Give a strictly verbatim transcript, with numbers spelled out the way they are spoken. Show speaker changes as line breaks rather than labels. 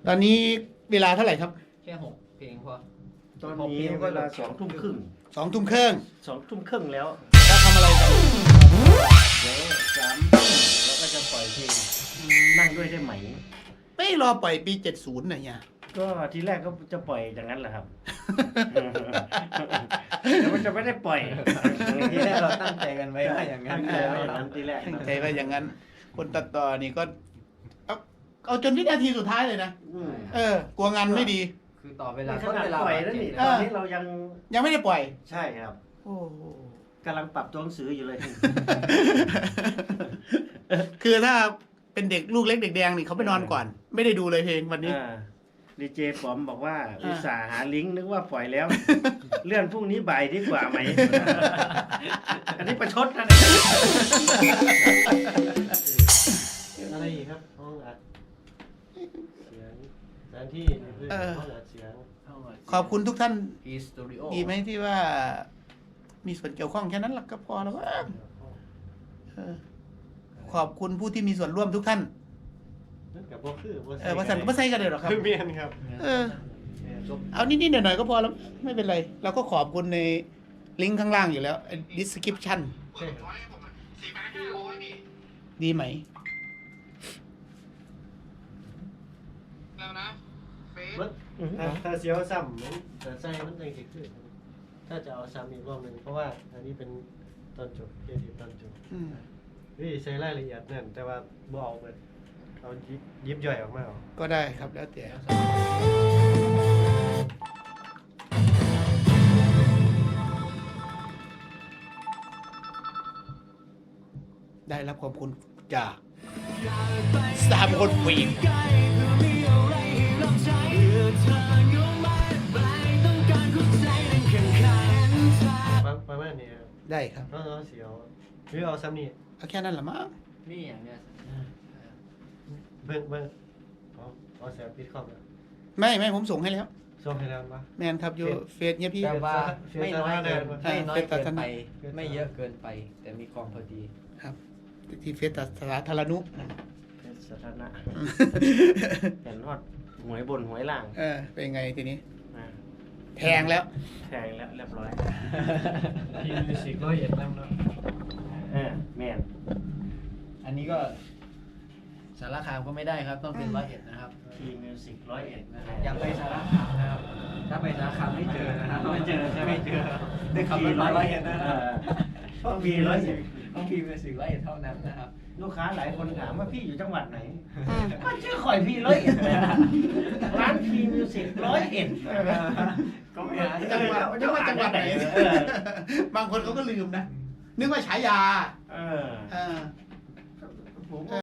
ตอนนี้เวลาเท่าไหร่ครับ
แค่หกเพลงพอ
ตอนนี้เวลาสองทุ่มครึ่ง
สองทุ่มครึ่ง
สองทุ่มครึ่งแล้ว
แล้วทำอะไรกัน
เดี๋ยวสามทุ่มเราก็จะปล่อยเพลงนั่งด้วยได้ไหม
ไม่รอปล่อยปีเจ็ดสิบน่ะเนี่ย
ก็ทีแรกก็จะปล่อยอย่างนั้นแหละครับ แต่มันจะไม่ได้ปล่อย
ทีแรกเราตั้งใจกันไว้ว่าอย่างนั้น
ตั้งใจไว้อย่างนั้นทีแรก
ตั้งใจว่าอย่างนั้น คนตัดต่อนี่ก็เอาเอาจนวินาทีสุดท้ายเลยนะ
อืม
เออกลัวงานไม่ดี
คือต่อเวลา
ข
ต้น
นาด
เวลา
ปล่อยแล้วนี่
เอ
ต
อ
อนนี้เรายัง
ยังไม่ได้ปล่อย
ใช่ครับ
โอ้โห
กำลังปรับตัวหนังสืออยู่เลย
คือถ้าเป็นเด็กลูกเล็กเด็กแดงนี่เขาไปนอนก่อน ไม่ได้ดูเลยเพลงวันนี้
ดีเจป๋อมบอกว่าอุตส่าห์หาลิงก์นึกว่าปล่อยแล้ว เลื่อนพรุ่งนี้บ่ายดีกว่าไหม อันนี้ประชดนะเนี่ย
อะไรอีกครับห้องอัดเสียงสถานที่นี่คือ
เออ
ห้องอัดเสียง
ขอบคุณทุกท่าน
อีสตูดิโอ
ดีไหมที่ว่า มีส่วนเกี่ยวข้องแค่นั้นหลักก็พอแล้วว่าเออขอบคุณผู้ที่มีส่วนร่วมทุกท่าน
นั่นกับบ่คือบ่
เออว่าสันก็ไม่ใช่กันเลยหรอกครับ
คือเมียนครับ
เออ เอานิดๆหน่อยๆก็พอแล้ว ไม่เป็นไร เราก็ขอบคุณในลิงก์ข้างล่างอยู่แล้ว description
ใช่ครับ
ดีไหม
มันถ้าถ้าเสียวซ้ำมันแต่ใส่มันจังสิคือถ้าจะเอาซ้ำอีกรอบหนึงเพราะว่าอันนี้เป็นตอนจบเครดิตตอนจบ
อืม
นี่ใช้รายละเอียดนั่นแต่ว่าบ่เอาเบิดเอายิบยิบย่อยออกมาเอา
ก็ได้ครับแล้วแต่ได้รับขอบคุณจากสามคนฟิล์ม
ประประมาณนี้ครับ
ได้ครับ
เอาเอาเสียวหรือเอาซ้ำนี่
เอาแค่นั้นแหละมั้ง
นี่อย่างเนี้ย
เบิ่งเบิ่งเอาเอาแสบปิดคอมแล้ว
ไม่ไม่ผมส่งให้แล้ว
ส่งให้แล้วปะ
แมนครับอยู่เฟซเนี่ยพี่
แต่ว่าไม่น้อยเกิน
อ่า
ไม่น้อย
เป็น
เกิน
ศาสนา
ไป ไม่เยอะเกินไป แต่มีความพอดี
ครับที่เฟซสาธารณุ
เป็นสถานะเห็นฮอดหวยบนหวยล่าง
เออเป็นไงทีนี้
อ่า
แทงแล้ว
แทงแล้วเรียบร้อย
ทีมมิวสิกร้อยเอ็ดนำเนาะ
เออแม่น
อันนี้ก็สารคามก็ไม่ได้ครับ ต้องเป็นร้อยเอ็ดนะครับ
ทีมิวสิกร้อยเอ็ดนะ
อย่าไปสารคามนะครับ ถ้าไปสารคามไม่เจอนะครับ
ไม่เจอใช่ไหม
ไม่เจอได้ขับรถมาร้อยเอ็ดนะค
เอ
รับ
อต้องมีร้อยเอ็ด
ต้องพีเป็นสิ่งร้อยเอ็ดเท่านั้นนะครับ
ลูกค้าหลายคนถามว่าพี่อยู่จังหวัดไหนก็ชื่อข่อยพี่ร้อยเอ็ดเลยนะร้านพีมิวสิกร้อยเอ็ด
ก็ไม่หา
จังหวัดจังหวัดจังหวัดไหน
เออบ
างคนเขาก็ลืมนะ นึกว่าฉายา
เออ
เออ
ผม